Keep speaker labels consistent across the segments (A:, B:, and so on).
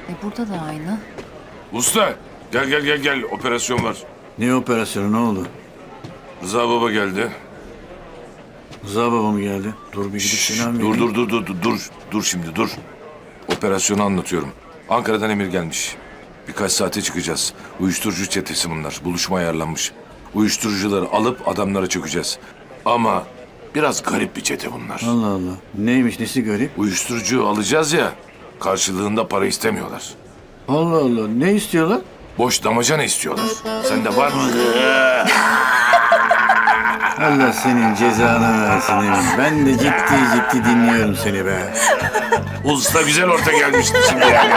A: Burada da aynı.
B: Usta gel operasyon var.
C: Ne operasyonu, ne oldu?
B: Rıza baba geldi.
C: Rıza baba mı geldi? Dur bir gidip selam vereyim.
B: Dur şimdi dur. Operasyonu anlatıyorum. Ankara'dan emir gelmiş. Birkaç saate çıkacağız. Uyuşturucu çetesi bunlar. Buluşma ayarlanmış. Uyuşturucuları alıp adamlara çökeceğiz. Ama biraz garip bir çete bunlar.
C: Allah Allah. Neymiş, nesi garip?
B: Uyuşturucu alacağız ya, karşılığında para istemiyorlar.
C: Allah Allah. Ne istiyorlar?
B: Boş damacana istiyorlar. Sende var mı?
C: Allah senin cezanı versin Emin. Ben de ciddi dinliyorum seni be.
B: Usta güzel orta gelmişti şimdi yani.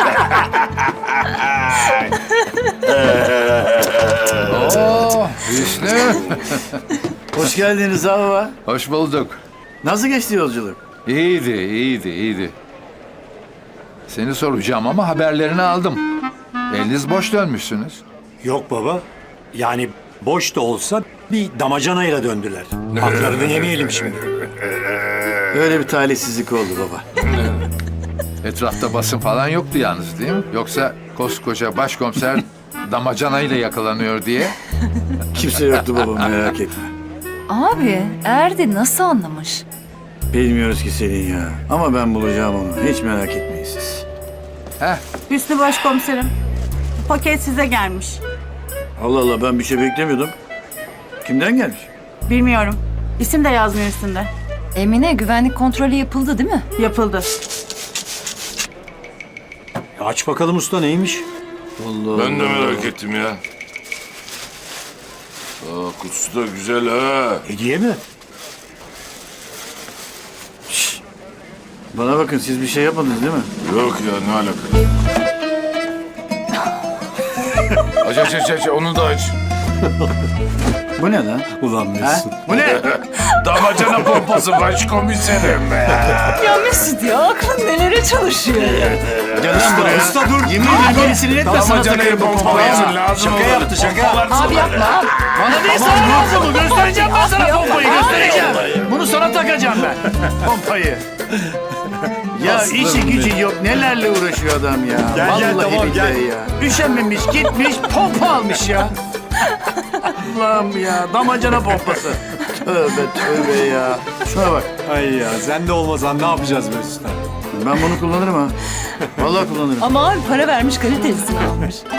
D: Oo, Hüsnü.
C: Hoş geldin Rıza baba.
D: Hoş bulduk.
C: Nasıl geçti yolculuk?
D: İyiydi. Seni soracağım ama haberlerini aldım. Eliniz boş dönmüşsünüz.
E: Yok baba. Yani boş da olsa bir damacanayla döndüler. Haklarını yemeyelim şimdi.
C: Öyle bir talihsizlik oldu baba.
D: Etrafta basın falan yoktu yalnız değil mi? Yoksa koskoca başkomiser damacanayla yakalanıyor diye.
C: Kimse yoktu baba, merak etme.
A: Abi Erdi nasıl anlamış?
C: Bilmiyoruz ki Selin ya. Ama ben bulacağım onu. Hiç merak etmeyin siz.
D: Heh,
F: Hüsnü Başkomiserim, paket size gelmiş.
C: Allah Allah, ben bir şey beklemiyordum. Kimden gelmiş?
F: Bilmiyorum. İsim de yazmıyor üstünde.
A: Emine güvenlik kontrolü yapıldı değil mi?
F: Yapıldı.
E: Aç bakalım usta, neymiş?
C: Allah
B: Ben de
C: Allah.
B: merak ettim ya. Kutusu da güzel ha.
E: Hediye mi?
C: Bana bakın, siz bir şey yapmadınız değil mi?
B: Yok ya, ne alaka? Aç, onu da aç.
C: Bu ne lan?
E: Ulan
C: Ha?
E: Mesut.
C: Bu ne?
B: Damacana pompası başkomiserim.
A: Ya Mesut ya aklın nelere çalışıyor ya?
C: Gel lan buraya.
E: Usta dur.
C: Yemin ederim gerisini etme, sana takarım bu pompayı.
B: lazım
E: Şaka yaptı şaka.
A: Abi yapma abi.
C: Bana değil, sana lazım bu. Göstereceğim ben sana pompayı, göstereceğim. Bunu sana takacağım ben. Pompayı. Ya işi gücü yok, nelerle uğraşıyor adam ya.
E: Gel,
C: Vallahi
E: tamam, gel.
C: billahi ya. Üşenmemiş, gitmiş, pompa almış ya. Allah'ım ya, damacana pompası. Tövbe ya. Şuna bak,
E: Ay ya, sen de olmasan ne yapacağız Mesut'a?
C: ben bunu kullanırım ha. Vallahi kullanırım.
A: Ama abi para vermiş kalitelisini almış.